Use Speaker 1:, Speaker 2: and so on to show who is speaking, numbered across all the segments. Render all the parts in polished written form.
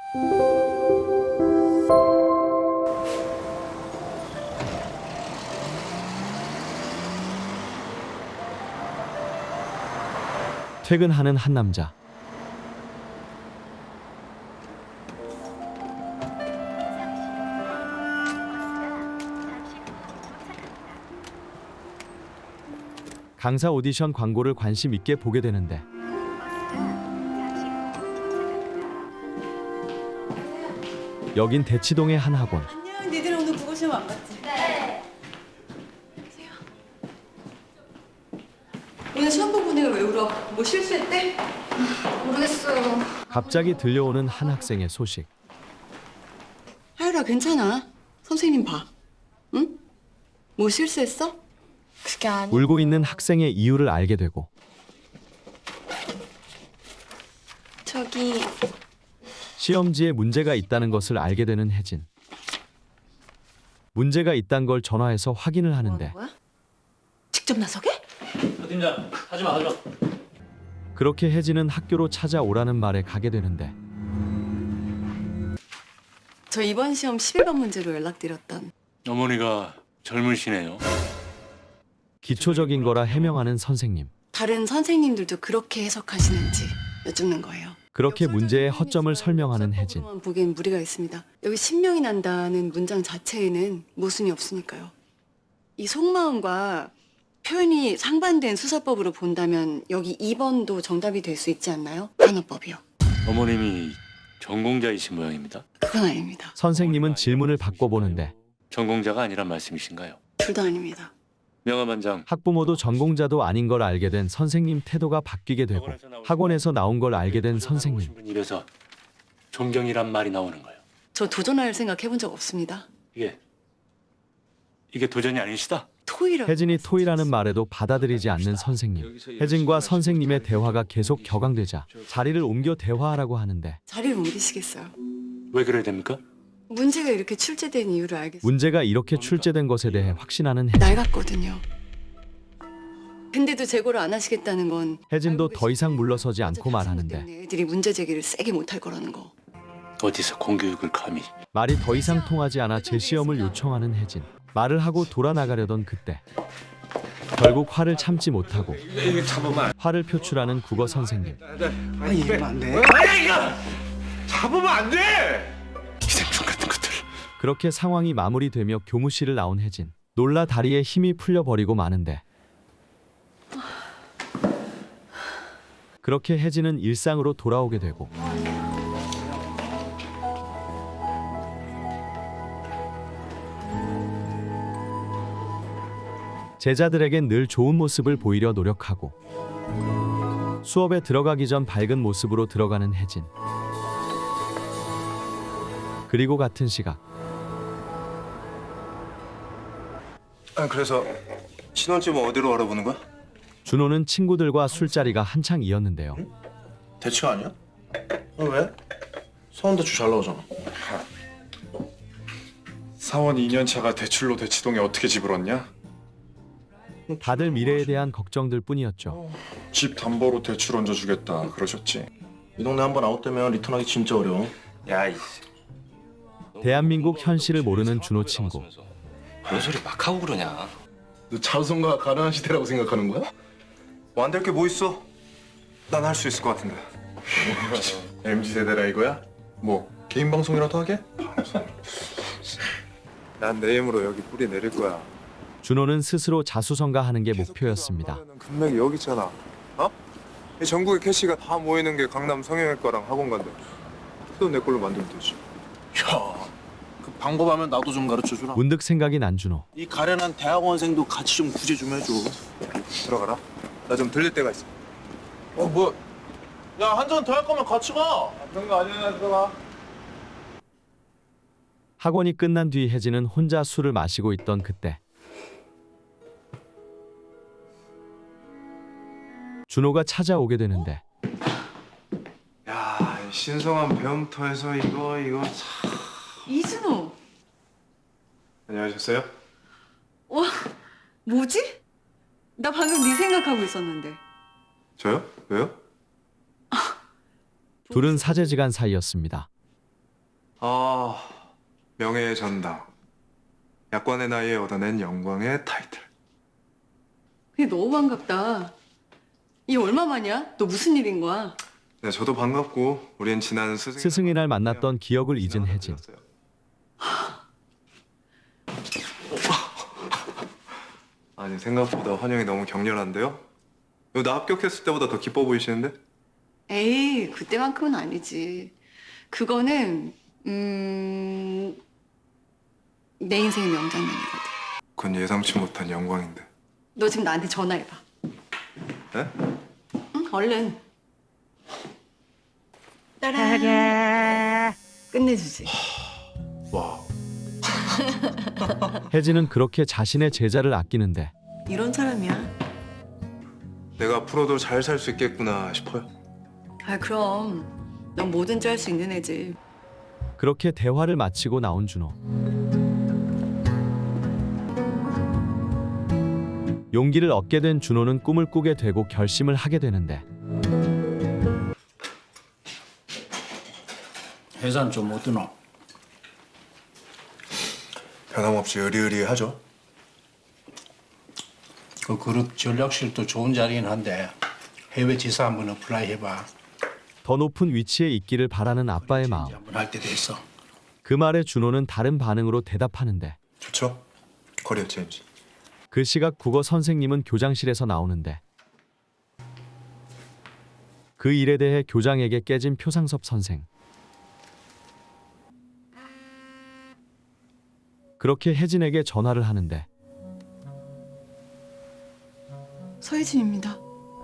Speaker 1: 퇴근하는 한 남자. 강사 오디션 광고를 관심 있게 보게 되는데 여긴 대치동의 한 학원.
Speaker 2: 안녕, 니들 오늘 국어 시험 안 봤지? 네. 오늘 시험 본 분이가 왜 울어? 뭐 실수했대?
Speaker 3: 모르겠어요.
Speaker 1: 갑자기 들려오는 한 학생의 소식.
Speaker 2: 하율아, 괜찮아. 선생님 봐. 응? 뭐 실수했어?
Speaker 3: 그게 아니.
Speaker 1: 울고 있는 학생의 이유를 알게 되고
Speaker 2: 저기
Speaker 1: 시험지에 문제가 있다는 것을 알게 되는 혜진. 문제가 있단 걸 전화해서 확인을 하는데
Speaker 2: 뭐야? 직접 나서게?
Speaker 4: 팀장, 하지마.
Speaker 1: 그렇게 혜진은 학교로 찾아오라는 말에 가게 되는데
Speaker 2: 저 이번 시험 11번 문제로 연락드렸던
Speaker 4: 어머니가 젊으시네요.
Speaker 1: 기초적인 거라 해명하는 선생님.
Speaker 2: 다른 선생님들도 그렇게 해석하시는지 여쭙는 거예요.
Speaker 1: 그렇게 문제의 허점을 설명하는 혜진.
Speaker 2: 수사법으로만 보기엔 무리가 있습니다. 여기 신명이 난다는 문장 자체에는 모순이 없으니까요. 이 속마음과 표현이 상반된 수사법으로 본다면 여기 2번도 정답이 될 수 있지 않나요? 단어법이요.
Speaker 4: 어머님이 전공자이신 모양입니다.
Speaker 2: 그건 아닙니다.
Speaker 1: 선생님은 질문을 바꿔보는데
Speaker 4: 전공자가 아니란 말씀이신가요?
Speaker 2: 둘 다 아닙니다.
Speaker 4: 명함한장.
Speaker 1: 학부모도 전공자도 아닌 걸 알게 된 선생님 태도가 바뀌게 되고 학원에서 나온 걸 알게 된 선생님.
Speaker 4: 입에서 존경이란 말이 나오는 거예요.
Speaker 2: 저 도전할 생각 해본 적 없습니다.
Speaker 4: 이게 도전이 아니시다?
Speaker 2: 토의라고.
Speaker 1: 혜진이 토이라는 말에도 받아들이지 않는 선생님. 혜진과 선생님의 대화가 계속 격앙되자 자리를 옮겨 대화하라고 하는데
Speaker 2: 자리를 옮기시겠어요?
Speaker 4: 왜 그래야 됩니까?
Speaker 2: 문제가 이렇게 출제된 이유를 알겠어요.
Speaker 1: 문제가 이렇게 출제된 것에 대해 확신하는 혜진.
Speaker 2: 낡았거든요. 근데도 재고를 안 하시겠다는 건
Speaker 1: 혜진도
Speaker 2: 알고
Speaker 1: 더 이상
Speaker 2: 계시는
Speaker 1: 물러서지 않고
Speaker 2: 어차피 학생들
Speaker 1: 말하는데
Speaker 2: 때문에 애들이 문제 제기를 세게 못할 거라는 거.
Speaker 4: 어디서 공교육을 감히.
Speaker 1: 말이 더 이상 통하지 않아 재시험을 요청하는 혜진. 말을 하고 돌아나가려던 그때 결국 화를 참지 못하고 화를 표출하는 국어 선생님.
Speaker 5: 아니 이러면 안 돼.
Speaker 6: 잡으면 안 돼!
Speaker 4: 기생충 같은 것들.
Speaker 1: 그렇게 상황이 마무리되며 교무실을 나온 혜진. 놀라 다리에 힘이 풀려버리고 마는데 그렇게 혜진은 일상으로 돌아오게 되고 제자들에겐 늘 좋은 모습을 보이려 노력하고 수업에 들어가기 전 밝은 모습으로 들어가는 혜진. 그리고 같은 시각
Speaker 6: 그래서 신혼집은 어디로 알아보는 거야?
Speaker 1: 준호는 친구들과 술자리가 한창이었는데요.
Speaker 6: 대추 아니야? 왜? 서원대추 잘 나오잖아.
Speaker 7: 사원 2년차가 대출로 대치동에 어떻게 집을 얻냐?
Speaker 1: 다들 미래에 대한 걱정들 뿐이었죠.
Speaker 7: 집 담보로 대출 얹어주겠다 그러셨지?
Speaker 6: 이 동네 한번 아웃되면 리턴하기 진짜 어려워.
Speaker 4: 야, 이
Speaker 1: 대한민국 현실을 모르는 준호 친구.
Speaker 4: 그런 소리 막 하고 그러냐?
Speaker 6: 너 자손과 가능한 시대라고 생각하는 거야?
Speaker 7: 뭐 안 될 게 뭐 있어? 난 할 수 있을 것 같은데. MZ 세대라 이거야? 뭐 개인 방송이라도 하게? 난 내 힘으로 여기 뿌리 내릴 거야.
Speaker 1: 준호는 스스로 자수성가하는 게 목표였습니다.
Speaker 7: 금맥이 여기 있잖아. 어? 이 전국의 캐시가 다 모이는 게 강남 성형외과랑 학원간데. 또 내 걸로 만들면 되지.
Speaker 5: 야, 그 방법하면 나도 좀 가르쳐 주라.
Speaker 1: 문득 생각이 난 준호.
Speaker 5: 이 가련한 대학원생도 같이 좀 구제 좀 해줘.
Speaker 7: 들어가라. 나 좀 들릴 때가 있어.
Speaker 5: 뭐? 야, 한 잔 더 할 거면 같이 가.
Speaker 7: 그런 거 아니야. 들어가.
Speaker 1: 학원이 끝난 뒤 혜진은 혼자 술을 마시고 있던 그때 준호가 찾아오게 되는데
Speaker 7: 야, 신성한 배움터에서 이거 참.
Speaker 2: 이준호.
Speaker 7: 안녕하셨어요?
Speaker 2: 와, 뭐지? 나 방금 네 생각하고 있었는데.
Speaker 7: 저요? 왜요?
Speaker 1: 둘은 사제지간 사이였습니다.
Speaker 7: 아, 명예의 전당. 약관의 나이에 얻어낸 영광의 타이틀.
Speaker 2: 그게 너무 반갑다. 이 얼마만이야? 너 무슨 일인 거야?
Speaker 7: 네, 저도 반갑고 우린 지난
Speaker 1: 스승의 날 만났던 기억을 잊은 혜진.
Speaker 7: 아니, 생각보다 환영이 너무 격렬한데요? 나 합격했을 때보다 더 기뻐 보이시는데?
Speaker 2: 에이, 그때만큼은 아니지. 그거는 내 인생의 명장면이거든.
Speaker 7: 그건 예상치 못한 영광인데.
Speaker 2: 너 지금 나한테 전화해봐.
Speaker 7: 네?
Speaker 2: 응, 얼른. 따라. 끝내주지.
Speaker 7: 와.
Speaker 1: 혜진은 그렇게 자신의 제자를 아끼는데
Speaker 2: 이런 사람이야.
Speaker 7: 내가 앞으로도 잘 살 수 있겠구나 싶어요.
Speaker 2: 아, 그럼. 넌 뭐든지 할 수 있는 애지.
Speaker 1: 그렇게 대화를 마치고 나온 준호. 용기를 얻게 된 준호는 꿈을 꾸게 되고 결심을 하게 되는데
Speaker 8: 해산 좀 어떠노?
Speaker 6: 변함없이 의리의리하죠.
Speaker 8: 그 그룹 전략실도 좋은 자리긴 한데 해외 지사 한번 어플라이 해봐.
Speaker 1: 더 높은 위치에 있기를 바라는 아빠의 마음.
Speaker 8: 한번 할 때 됐어.
Speaker 1: 그 말에 준호는 다른 반응으로 대답하는데
Speaker 6: 좋죠. 커리어 체인지.
Speaker 1: 그 시각 국어 선생님은 교장실에서 나오는데 그 일에 대해 교장에게 깨진 표상섭 선생. 그렇게 혜진에게 전화를 하는데
Speaker 2: 서혜진입니다.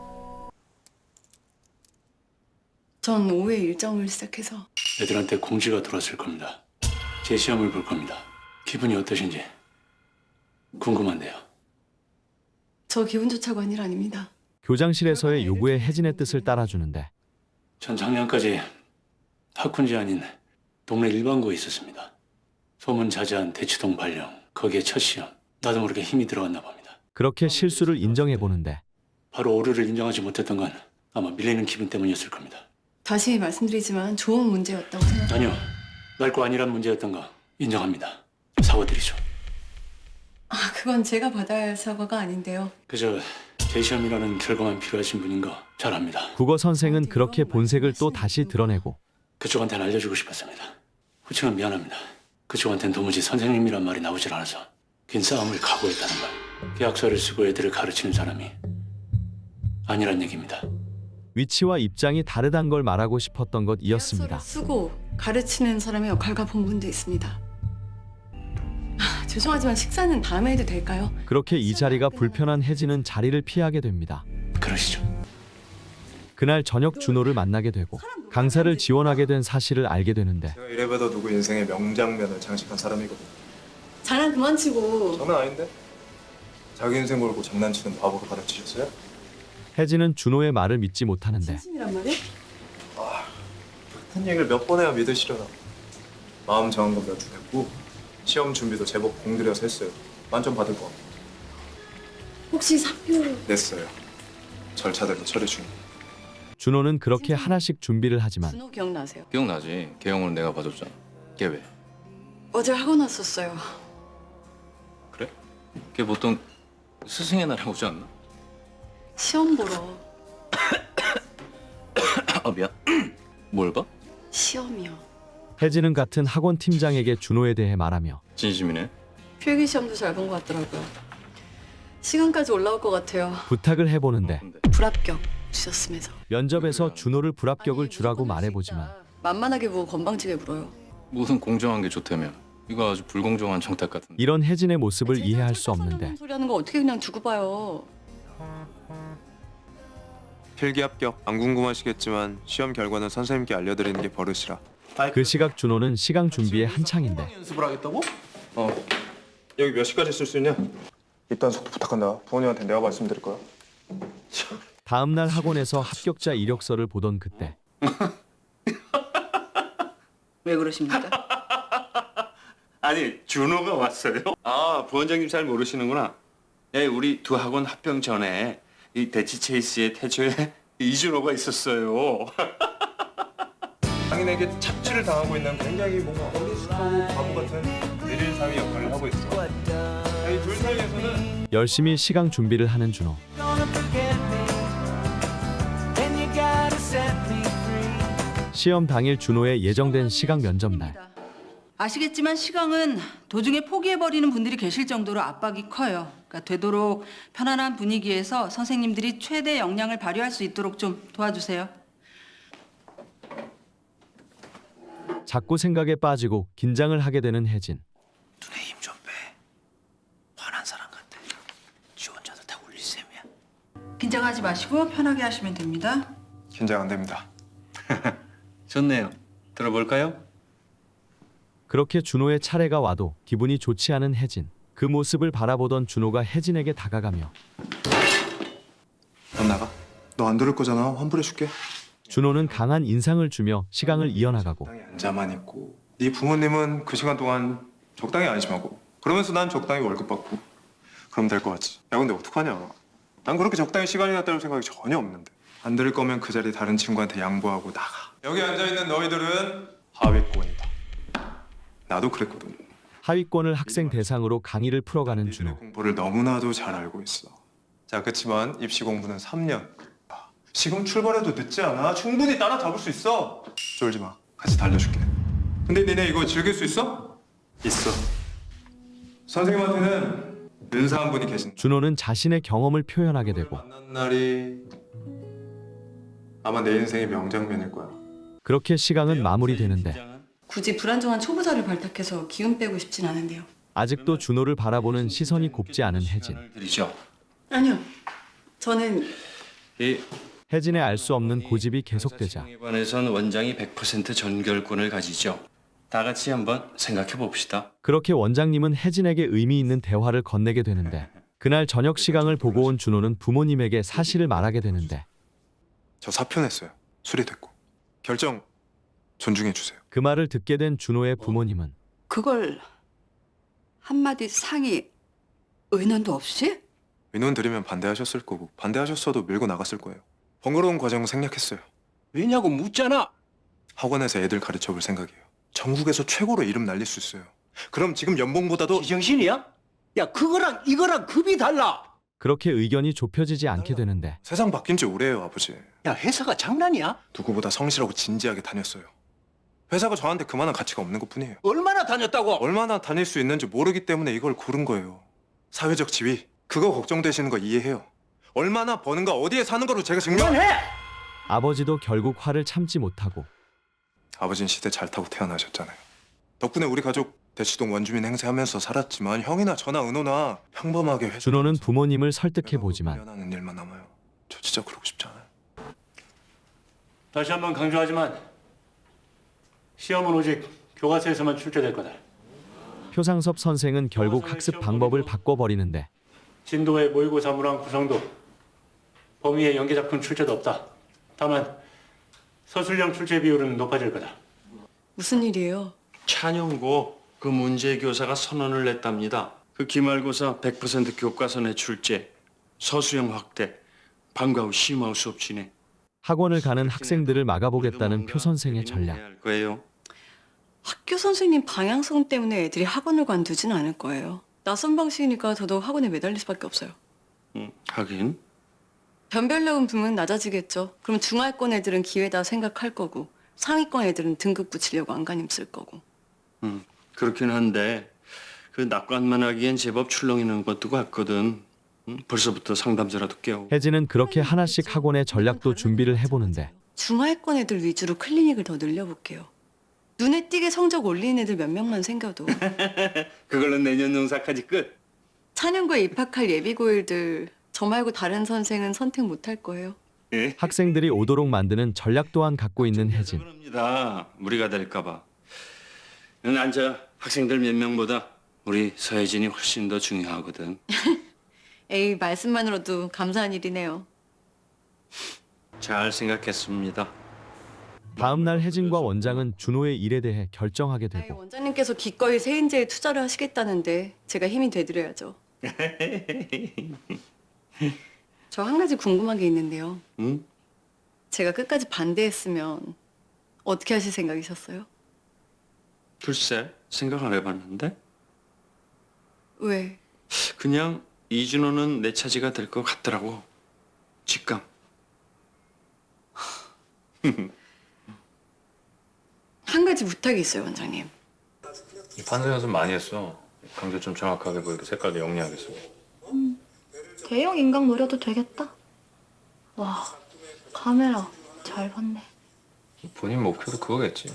Speaker 2: 전 오후에 일정을 시작해서
Speaker 4: 애들한테 공지가 들어왔을 겁니다. 제 시험을 볼 겁니다. 기분이 어떠신지 궁금한데요.
Speaker 2: 저 기분조차가 아닐 아닙니다.
Speaker 1: 교장실에서의 요구에 혜진의 뜻을 따라주는데
Speaker 4: 전 작년까지 학군지 아닌 동네 일반고에 있었습니다. 소문자자한 대치동 발령, 거기에 첫 시험. 나도 모르게 힘이 들어갔나 봅니다.
Speaker 1: 그렇게 실수를 인정해 보는데
Speaker 4: 바로 오류를 인정하지 못했던 건 아마 밀리는 기분 때문이었을 겁니다.
Speaker 2: 다시 말씀드리지만 좋은 문제였다고 생각합니다.
Speaker 4: 아니요, 날 거 아니란 문제였던 거 인정합니다. 사과드리죠.
Speaker 2: 아, 그건 제가 받아야 할 사과가 아닌데요.
Speaker 4: 그저 제 시험이라는 결과만 필요하신 분인 거 잘 압니다.
Speaker 1: 국어 선생은 그렇게 본색을 또 다시 드러내고
Speaker 4: 그쪽한테는 알려주고 싶었습니다. 후치는 미안합니다. 그쪽한테는 도무지 선생님이란 말이 나오질 않아서 긴 싸움을 각오했다는 걸. 계약서를 쓰고 애들을 가르치는 사람이 아니란 얘기입니다.
Speaker 1: 위치와 입장이 다르단 걸 말하고 싶었던 것이었습니다.
Speaker 2: 계약서를 쓰고 가르치는 사람의 역할과 본분도 있습니다. 아, 죄송하지만 식사는 다음에 해도 될까요?
Speaker 1: 그렇게 이 자리가 불편한 혜진은 자리를 피하게 됩니다.
Speaker 4: 그러시죠.
Speaker 1: 그날 저녁 준호를 만나게 되고 강사를 지원하게 된 사실을 알게 되는데
Speaker 7: 제가 이래봬도 누구 인생의 명장면을 장식한 사람이거든요.
Speaker 2: 장난 그만 치고.
Speaker 7: 장난 아닌데? 자기 인생 걸고 장난치는 바보로 가르치셨어요?
Speaker 1: 혜진은 준호의 말을 믿지 못하는데
Speaker 2: 진심이란 말이야?
Speaker 7: 한 얘기를 몇 번 해야 믿으시려나. 마음 정한 건 몇 주 됐고 시험 준비도 제법 공들여서 했어요. 만점 받을 거
Speaker 2: 혹시 사표...
Speaker 7: 냈어요. 절차대로 처리 중.
Speaker 1: 준호는 그렇게 하나씩 준비를 하지만
Speaker 2: 준호 기억나세요?
Speaker 9: 기억나지? 개영은 내가 봐줬잖아. 걔 왜?
Speaker 2: 어제 학원 왔었어요.
Speaker 9: 그래? 걔 보통 스승의 날에 오지 않나?
Speaker 2: 시험 보러.
Speaker 9: 아 미안. 뭘 봐?
Speaker 2: 시험이요.
Speaker 1: 혜진은 같은 학원 팀장에게 준호에 대해 말하며
Speaker 9: 진심이네.
Speaker 2: 필기시험도 잘 본 것 같더라고요. 시간까지 올라올 것 같아요.
Speaker 1: 부탁을 해보는데
Speaker 9: 근데
Speaker 2: 불합격 주셨으면서.
Speaker 1: 면접에서 준호를 불합격을
Speaker 2: 아니,
Speaker 1: 주라고
Speaker 2: 무조건
Speaker 1: 말해보지만
Speaker 2: 할수 있다. 만만하게 보고 건방지게 물어요.
Speaker 9: 무슨 공정한 게 좋다며. 이거 아주 불공정한 정탁 같은데.
Speaker 1: 이런 혜진의 모습을 이해할 수 없는데
Speaker 2: 소리 하는 거 어떻게 그냥 두고 봐요.
Speaker 7: 필기 합격. 안 궁금하시겠지만 시험 결과는 선생님께 알려드리는 게 버릇이라.
Speaker 1: 그 시각 준호는 시강 준비에 한창인데
Speaker 5: 연습을 하겠다고?
Speaker 7: 여기 몇 시까지 쓸 수 있냐? 입단속도 부탁한다. 부모님한테 내가 말씀드릴 거야.
Speaker 1: 다음 날 학원에서 합격자 이력서를 보던 그때
Speaker 2: 왜 그러십니까?
Speaker 10: 아니 준호가 왔어요? 아 부원장님 잘 모르시는구나. 예, 우리 두 학원 합병 전에 이 대치 체이스의 태초에 이준호가 있었어요.
Speaker 7: 장인에게 착취를 당하고 있는 굉장히 뭔가 어리숙하고 바보 같은 내릴 사위 역할을 하고 있어. 이 둘 사이에서는
Speaker 1: 열심히 시강 준비를 하는 준호. 시험 당일 준호의 예정된 시강 면접 날.
Speaker 11: 아시겠지만 시강은 도중에 포기해버리는 분들이 계실 정도로 압박이 커요. 그러니까 되도록 편안한 분위기에서 선생님들이 최대 역량을 발휘할 수 있도록 좀 도와주세요.
Speaker 1: 자꾸 생각에 빠지고 긴장을 하게 되는 혜진.
Speaker 4: 눈에 힘 좀 빼. 화난 사람 같아. 지 혼자도 다 울릴 셈이야.
Speaker 11: 긴장하지 마시고 편하게 하시면 됩니다.
Speaker 7: 긴장 안 됩니다.
Speaker 10: 좋네요. 들어볼까요?
Speaker 1: 그렇게 준호의 차례가 와도 기분이 좋지 않은 혜진. 그 모습을 바라보던 준호가 혜진에게 다가가며
Speaker 7: 넌 나가. 너 안 들을 거잖아. 환불해줄게.
Speaker 1: 준호는 강한 인상을 주며 시강을 이어나가고
Speaker 7: 적당히 앉아만 있고 네 부모님은 그 시간 동안 적당히 안심하고 그러면서 난 적당히 월급 받고 그럼 될 거 같지. 야 근데 어떡하냐. 난 그렇게 적당히 시간이나 때울 생각이 전혀 없는데. 안 들을 거면 그 자리 다른 친구한테 양보하고 나가. 여기 앉아있는 너희들은 하위권이다. 나도 그랬거든.
Speaker 1: 하위권을 학생 대상으로 강의를 풀어가는
Speaker 7: 니들의
Speaker 1: 준호.
Speaker 7: 공부를 너무나도 잘 알고 있어. 자, 그치만 입시 공부는 3년. 지금 출발해도 늦지 않아. 충분히 따라잡을 수 있어. 쫄지 마. 같이 달려줄게. 근데 니네 이거 즐길 수 있어? 있어. 선생님한테는 은사한 분이 계신다.
Speaker 1: 준호는 자신의 경험을 표현하게 되고
Speaker 7: 만난 날이 아마 내 인생의 명장면일 거야.
Speaker 1: 그렇게 시강은 마무리되는데
Speaker 2: 굳이 불안정한 초보자를 발탁해서 기운 빼고 싶진 않은데요.
Speaker 1: 아직도 준호를 바라보는 시선이 곱지 않은 혜진.
Speaker 10: 드리죠.
Speaker 2: 아니요. 저는
Speaker 10: 이
Speaker 1: 혜진의 알 수 없는 고집이 계속되자
Speaker 10: 에 관해선 원장이 100% 전결권을 가지죠. 다 같이 한번 생각해 봅시다.
Speaker 1: 그렇게 원장님은 혜진에게 의미 있는 대화를 건네게 되는데 그날 저녁 시강을 보고 온 준호는 부모님에게 사실을 말하게 되는데
Speaker 7: 저 사표 냈어요. 수리됐고. 결정 존중해 주세요.
Speaker 1: 그 말을 듣게 된 준호의 부모님은
Speaker 12: 그걸 한마디 상의 의논도 없이?
Speaker 7: 민원 드리면 반대하셨을 거고 반대하셨어도 밀고 나갔을 거예요. 번거로운 과정은 생략했어요.
Speaker 8: 왜냐고 묻잖아.
Speaker 7: 학원에서 애들 가르쳐 볼 생각이에요. 전국에서 최고로 이름 날릴 수 있어요. 그럼 지금 연봉보다도
Speaker 8: 제정신이야? 야 그거랑 이거랑 급이 달라.
Speaker 1: 그렇게 의견이 좁혀지지 않게 되는데
Speaker 7: 세상 바뀐 지 오래예요, 아버지.
Speaker 8: 야 회사가 장난이야?
Speaker 7: 누구보다 성실하고 진지하게 다녔어요. 회사가 저한테 그만한 가치가 없는 것뿐이에요.
Speaker 8: 얼마나 다녔다고?
Speaker 7: 얼마나 다닐 수 있는지 모르기 때문에 이걸 고른 거예요. 사회적 지위, 그거 걱정되시는 거 이해해요. 얼마나 버는가 어디에 사는 거로 제가
Speaker 8: 그만해!
Speaker 1: 아버지도 결국 화를 참지 못하고
Speaker 7: 아버지는 시대 잘 타고 태어나셨잖아요. 덕분에 우리 가족 대치동 원주민 행세하면서 살았지만 형이나 저나 은호나 평범하게 회사
Speaker 1: 준호는 부모님을 설득해 보지만
Speaker 7: 하는 일만 남아요. 저 진짜 그러고 싶지 않아요.
Speaker 4: 다시 한번 강조하지만 시험은 오직 교과서에서만 출제될 거다.
Speaker 1: 표상섭 선생은 결국 학습 방법을 바꿔버리는데
Speaker 4: 진도의 모의고사 문항 구성도 범위의 연계작품 출제도 없다. 다만 서술형 출제 비율은 높아질 거다.
Speaker 2: 무슨 일이에요?
Speaker 10: 찬영고 그 문제 교사가 선언을 냈답니다. 그 기말고사 100% 교과서 내 출제, 서술형 확대, 방과 후 심화 수업 진행.
Speaker 1: 학원을 가는 학생들을 막아보겠다는 표 선생의 전략.
Speaker 10: 할 거예요.
Speaker 2: 학교 선생님 방향성 때문에 애들이 학원을 관두진 않을 거예요. 낯선 방식이니까 더더욱 학원에 매달릴 수밖에 없어요.
Speaker 10: 하긴.
Speaker 2: 변별력은 분명 낮아지겠죠. 그럼 중하위권 애들은 기회다 생각할 거고 상위권 애들은 등급 붙이려고 안간힘 쓸 거고.
Speaker 10: 그렇긴 한데 그 낙관만 하기엔 제법 출렁이는 것도 같거든. 벌써부터 상담자라도 깨우고.
Speaker 1: 혜진은 그렇게 하나씩 학원의 전략도 준비를 해보는데
Speaker 2: 중하위권 애들 위주로 클리닉을 더 늘려볼게요. 눈에 띄게 성적 올리는 애들 몇 명만 생겨도
Speaker 10: 그걸로 내년 농사까지 끝.
Speaker 2: 찬영고에 입학할 예비고일들 저 말고 다른 선생은 선택 못 할 거예요.
Speaker 1: 학생들이 오도록 만드는 전략 또한 갖고 있는 혜진.
Speaker 10: 그럽니다. 무리가 될까 봐. 난 저 학생들 몇 명보다 우리 서혜진이 훨씬 더 중요하거든.
Speaker 2: 에이 말씀만으로도 감사한 일이네요.
Speaker 10: 잘 생각했습니다.
Speaker 1: 다음 날 혜진과 원장은 준호의 일에 대해 결정하게
Speaker 2: 아이,
Speaker 1: 되고
Speaker 2: 원장님께서 기꺼이 세인제에 투자를 하시겠다는데 제가 힘이 되드려야죠. 저 한 가지 궁금한 게 있는데요.
Speaker 10: 응?
Speaker 2: 제가 끝까지 반대했으면 어떻게 하실 생각이셨어요?
Speaker 10: 글쎄, 생각 안 해봤는데?
Speaker 2: 왜?
Speaker 10: 그냥 이준호는 내 차지가 될 것 같더라고. 직감.
Speaker 2: 한 가지 부탁이 있어요, 원장님.
Speaker 9: 판서 연습 많이 했어. 강조 좀 정확하게 보이게 색깔도 영리하게 쓰고.
Speaker 3: 대형 인강 노려도 되겠다. 와, 카메라 잘 봤네.
Speaker 9: 본인 목표도 그거겠지.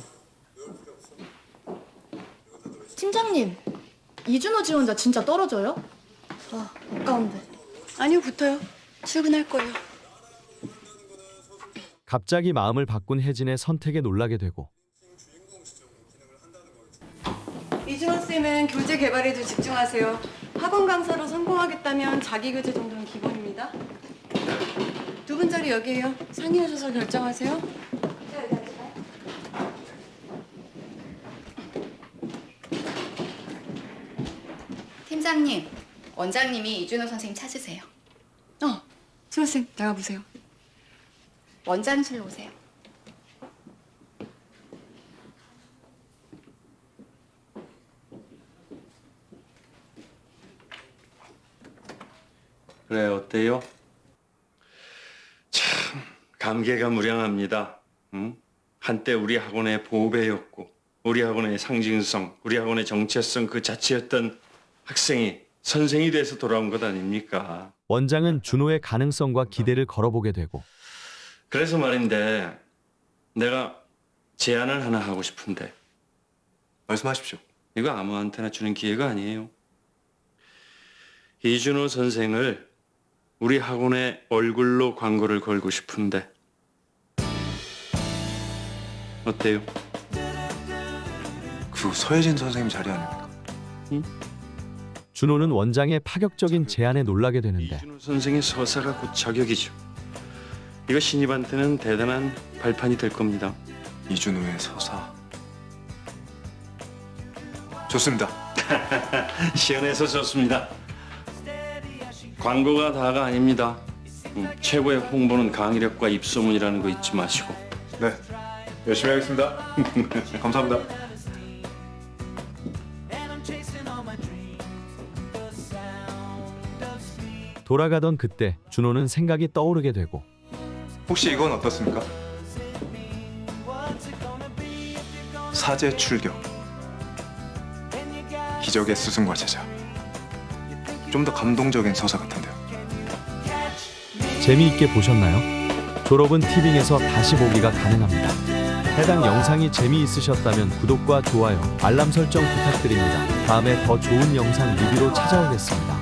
Speaker 3: 팀장님, 이준호 지원자 진짜 떨어져요? 아, 아까운데.
Speaker 2: 아니요, 붙어요. 출근할 거예요.
Speaker 1: 갑자기 마음을 바꾼 혜진의 선택에 놀라게 되고
Speaker 2: 이준호 쌤은 교재 개발에도 집중하세요. 학원 강사로 성공하겠다면 자기 교재 정도는 기본입니다. 두 분 자리 여기에요. 상의하셔서 결정하세요.
Speaker 3: 팀장님, 원장님이 이준호 선생님 찾으세요.
Speaker 2: 준호 쌤 나가보세요.
Speaker 3: 원장실로 오세요.
Speaker 10: 그래, 어때요? 참, 감개가 무량합니다. 응? 한때 우리 학원의 보배였고, 우리 학원의 상징성, 우리 학원의 정체성 그 자체였던 학생이 선생이 돼서 돌아온 것 아닙니까?
Speaker 1: 원장은 준호의 가능성과 기대를 걸어보게 되고
Speaker 10: 그래서 말인데, 내가 제안을 하나 하고 싶은데,
Speaker 7: 말씀하십시오.
Speaker 10: 이거 아무한테나 주는 기회가 아니에요. 이준호 선생을 우리 학원의 얼굴로 광고를 걸고 싶은데 어때요?
Speaker 6: 그 서혜진 선생님 자리 아닙니까?
Speaker 1: 준호는 원장의 파격적인 제안에 놀라게 되는데
Speaker 10: 이준호 선생의 서사가 곧 저격이죠. 이거 신입한테는 대단한 발판이 될 겁니다.
Speaker 6: 이준호의 서사. 좋습니다.
Speaker 10: 시원해서 좋습니다. 광고가 다가 아닙니다. 최고의 홍보는 강의력과 입소문이라는 거 잊지 마시고.
Speaker 7: 네, 열심히 하겠습니다. 감사합니다.
Speaker 1: 돌아가던 그때 준호는 생각이 떠오르게 되고
Speaker 7: 혹시 이건 어떻습니까? 사제 출격. 기적의 스승과 제자. 좀 더 감동적인 서사 같은데요.
Speaker 1: 재미있게 보셨나요? 졸업은 티빙에서 다시 보기가 가능합니다. 해당 영상이 재미있으셨다면 구독과 좋아요, 알람 설정 부탁드립니다. 다음에 더 좋은 영상 리뷰로 찾아오겠습니다.